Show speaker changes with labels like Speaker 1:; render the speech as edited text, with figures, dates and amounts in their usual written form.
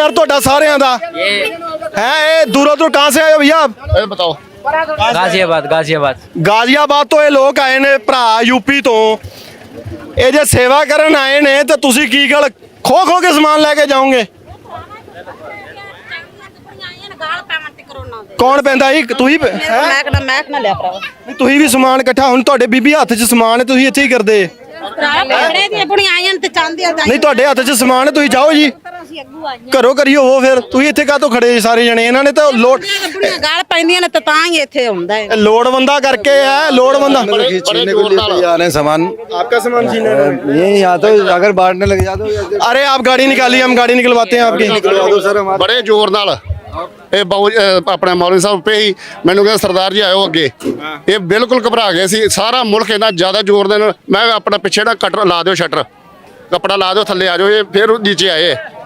Speaker 1: परिवार ਤੁਹਾਡਾ ਸਾਰਿਆਂ ਦਾ है ये दूरों दूर कहाँ से आए हो भैया
Speaker 2: बताओ।
Speaker 3: गाजियाबाद गाजियाबाद
Speaker 1: गाजियाबाद तो ये लोग आए ने भरा यूपी तो ये जे सेवा करन आए ने तो तुसी की गल खो खो के समान लेके जाओगे कौन पैंदा जी तुही
Speaker 4: मैक ना लिया भरावा
Speaker 1: तुही भी समान इकट्ठा हुण तुहाडे बीबी हत्थ 'ਚ समान है तुही इत्थे ही करदे नहीं तुहाडे हत्थ 'ਚ समान है तुही जाओ जी घरों करियो वो फिर तुही इत्थे काहतों खड़े जी सारे जने इन्हां ने तो लोड
Speaker 4: गाल पैंदियां ने तां ही इत्थे हुंदा है
Speaker 1: लोड़वंदा करके है लोड़वंदा
Speaker 5: छीनने को लिए तैयार है सामान।
Speaker 1: आपका सामान छीने
Speaker 5: ये यहाँ तो अगर बांटने लग जाते हो।
Speaker 1: अरे आप गाड़ी निकालिए हम गाड़ी निकलवाते हैं आपकी
Speaker 5: निकलवा दो सर हमारे।
Speaker 2: बड़े जोर नाल ਇਹ ਬਾਊ ਆਪਣੇ ਮੌਲਵੀ ਸਾਹਿਬ ਪੇ ਹੀ ਮੈਨੂੰ ਕਹਿੰਦਾ ਸਰਦਾਰ ਜੀ ਆਇਓ ਅੱਗੇ ਇਹ ਬਿਲਕੁਲ ਘਬਰਾ ਗਏ ਸੀ ਸਾਰਾ ਮੁਲਕ ਇਹਨਾਂ ਜ਼ਿਆਦਾ ਜ਼ੋਰ ਦੇ ਨਾਲ ਮੈਂ ਆਪਣਾ ਪਿੱਛੇ ਨਾ ਕਟਰ ਲਾ ਦਿਓ ਸ਼ਟਰ ਕੱਪੜਾ ਲਾ ਦਿਓ ਥੱਲੇ ਆ ਜਾਓ ਇਹ ਫਿਰ ਨੀਚੇ ਆਏ